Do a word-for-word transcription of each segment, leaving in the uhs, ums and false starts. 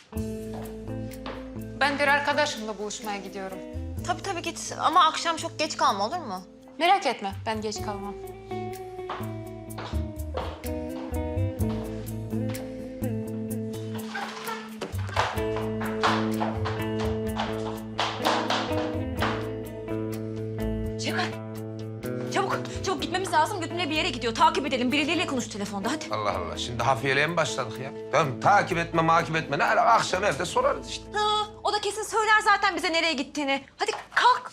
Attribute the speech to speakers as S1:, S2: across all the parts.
S1: Ben bir arkadaşımla buluşmaya gidiyorum.
S2: Tabii tabii git ama akşam çok geç kalma olur mu?
S1: Merak etme, ben geç kalmam.
S2: Şevkat. Çabuk, çabuk gitmemiz lazım. Götümle bir yere gidiyor. Takip edelim. Birileriyle konuş telefonda hadi.
S3: Allah Allah. Şimdi hafiyeliğe mi başladık ya? Tamam takip etme, makip etme. Ne ala akşam evde sorarız işte.
S2: Ha, o da kesin söyler zaten bize nereye gittiğini. Hadi kalk.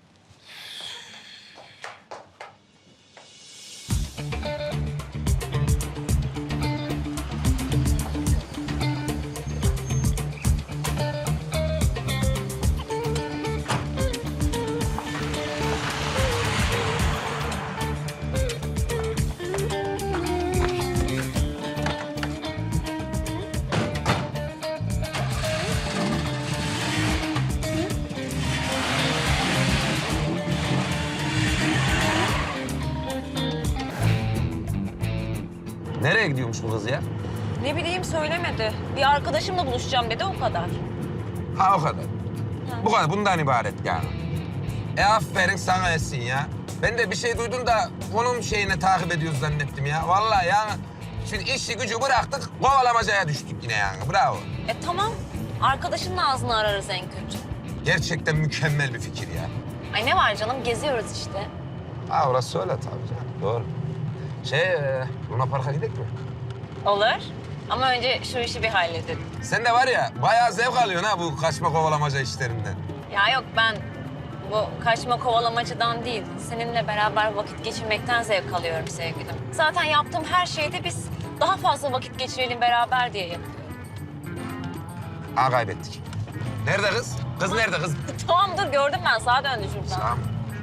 S3: Nereye gidiyormuş bu kız ya?
S2: Ne bileyim söylemedi. Bir arkadaşımla buluşacağım dedi o kadar.
S3: Ha o kadar. Bu kadar. Bundan ibaret yani. E aferin sana Esin ya. Ben de bir şey duydum da onun şeyini takip ediyoruz zannettim ya. Vallahi yani. Şimdi işi gücü bıraktık, kovalamacaya düştük yine yani. Bravo.
S2: E tamam. Arkadaşının ağzını ararız en kötü.
S3: Gerçekten mükemmel bir fikir ya.
S2: Ay ne var canım geziyoruz işte.
S3: Ha orası öyle tabii canım. Doğru. Şey, e, Luna Park'a gidelim mi?
S2: Olur. Ama önce şu işi bir halledelim.
S3: Sen de var ya bayağı zevk alıyorsun ha bu kaçma kovalamaca işlerinden.
S2: Ya yok ben bu kaçma kovalamacıdan değil, seninle beraber vakit geçirmekten zevk alıyorum sevgilim. Zaten yaptığım her şeyde biz daha fazla vakit geçirelim beraber diye yapıyorum.
S3: Ha kaybettik. Nerede kız? Kız nerede kız?
S2: Tamam dur gördüm ben sağa döndü şuradan.
S3: Tamam.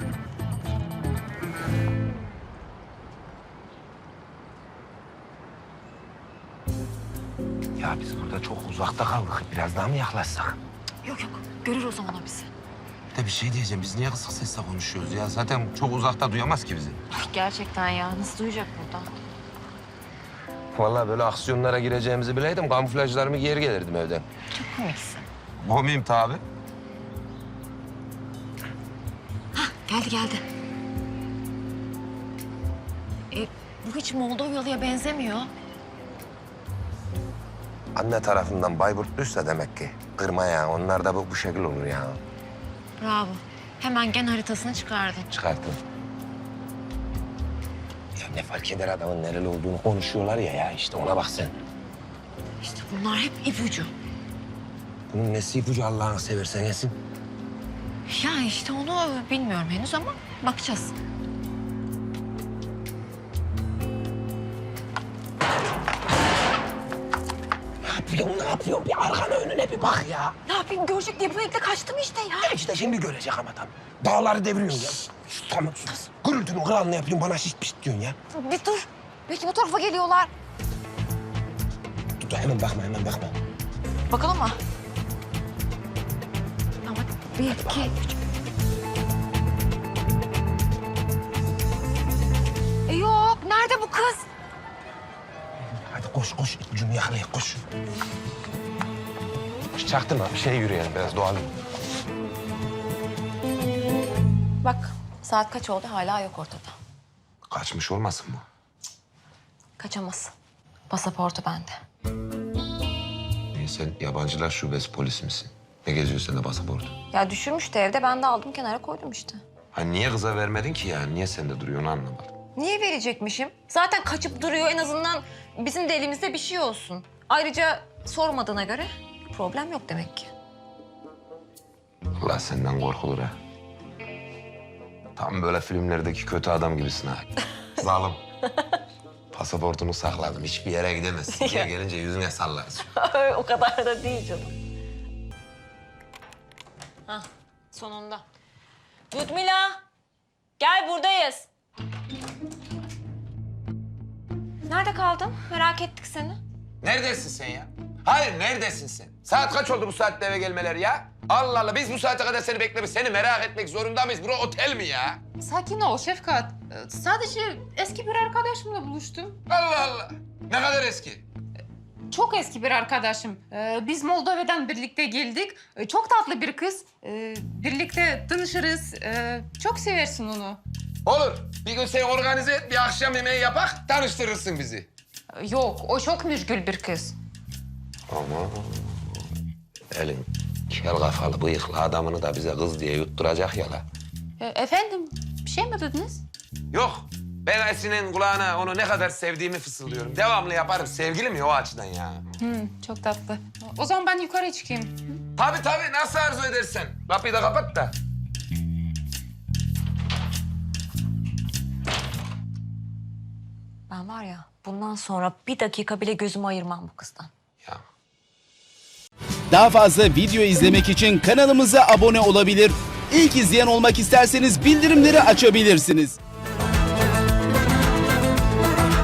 S3: Ya biz burada çok uzakta kaldık. Biraz daha mı yaklaşsak?
S2: Yok yok görür o zaman o bizi.
S3: Bir de bir şey diyeceğim. Biz niye kısık sesle konuşuyoruz ya? Zaten çok uzakta duyamaz ki bizi.
S2: Gerçekten ya nasıl duyacak buradan?
S3: Vallahi böyle aksiyonlara gireceğimizi bileydim. Kamuflajlarımı giyer gelirdim evden.
S2: Çok komiksin.
S3: Komiyim tabii.
S2: Geldi geldi. E, bu hiç Moldovyalı'ya benzemiyor.
S3: Anne tarafından Bayburtluysa demek ki. Kırma ya. Onlar da bu, bu şekil olur ya.
S2: Bravo. Hemen gen haritasını çıkardın.
S3: Çıkarttım. Ya ne fark eder adamın nereli olduğunu konuşuyorlar ya ya işte ona bak sen.
S2: İşte bunlar hep ipucu.
S3: Bunun nesi ipucu Allah'ını seversen Esin?
S2: Ya işte onu bilmiyorum henüz ama bakacağız.
S3: Ne yapıyorsun, ne yapıyorsun? Bir arkana önüne bir bak ya.
S2: Ne yapayım görecek diye bu renkle kaçtım işte ya.
S3: Ya işte şimdi görecek ama tam. Dağları deviriyorsun ya. Sus, tamam sus. Gürültünün kralını yapıyorsun bana şişt pişt diyorsun ya.
S2: Bir dur. Belki bu tarafa geliyorlar.
S3: Dur, dur hemen bakma hemen bakma.
S2: Bakalım mı? Ama bir, iki, üç. E yok. Nerede bu kız?
S3: Hadi koş koş ipucunu yakalayın koş. Koş çaktırma bir şey yürüyelim biraz doğal.
S2: Bak saat kaç oldu hala yok ortada.
S3: Kaçmış olmasın bu?
S2: Kaçamaz. Pasaportu bende.
S3: Niye sen yabancılar şubesi polis misin? Ne geziyorsun sen de pasaportu?
S2: Ya düşürmüştü evde ben de aldım kenara koydum işte.
S3: Ha niye kıza vermedin ki yani? Niye sende duruyor onu anlamadım.
S2: Niye verecekmişim? Zaten kaçıp duruyor en azından bizim de elimizde bir şey olsun. Ayrıca sormadığına göre problem yok demek ki.
S3: Allah senden korkulur ha. Tam böyle filmlerdeki kötü adam gibisin ha. Zalim. Pasaportunu sakladım. Hiçbir yere gidemezsin. Gel gelince yüzüne sallarız.
S2: O kadar da değil canım. Hah, sonunda. Ludmila, gel buradayız. Nerede kaldın? Merak ettik seni.
S3: Neredesin sen ya? Hayır, neredesin sen? Saat kaç oldu bu saatte eve gelmeleri ya? Allah Allah, biz bu saate kadar seni beklemiş, seni merak etmek zorunda mıyız? Bura otel mi ya?
S1: Sakin ol Şefkat. Ee, Sadece eski bir arkadaşımla buluştum.
S3: Allah Allah. Ne kadar eski?
S1: çok eski bir arkadaşım. Ee, biz Moldova'dan birlikte geldik. Ee, çok tatlı bir kız. Ee, birlikte tanışırız. Ee, çok seversin onu.
S3: Olur. Bir gün sen organize et, bir akşam yemeği yapak, tanıştırırsın bizi.
S1: Ee, Yok, o çok müşgül bir kız.
S3: Ama elin kel kafalı bıyıklı adamını da bize kız diye yutturacak ya la.
S1: Ee, efendim, bir şey mi dediniz?
S3: Yok. Ben Esin'in kulağına onu ne kadar sevdiğimi fısıldıyorum. Devamlı yaparım. Sevgilim ya o açıdan ya.
S1: Hmm, çok tatlı. O zaman ben yukarı çıkayım.
S3: Tabii tabii. Nasıl arzu edersen. Kapıyı da kapat da.
S2: Ben var ya bundan sonra bir dakika bile gözümü ayırmam bu kızdan.
S3: Ya.
S4: Daha fazla video izlemek için kanalımıza abone olabilir. İlk izleyen olmak isterseniz bildirimleri açabilirsiniz.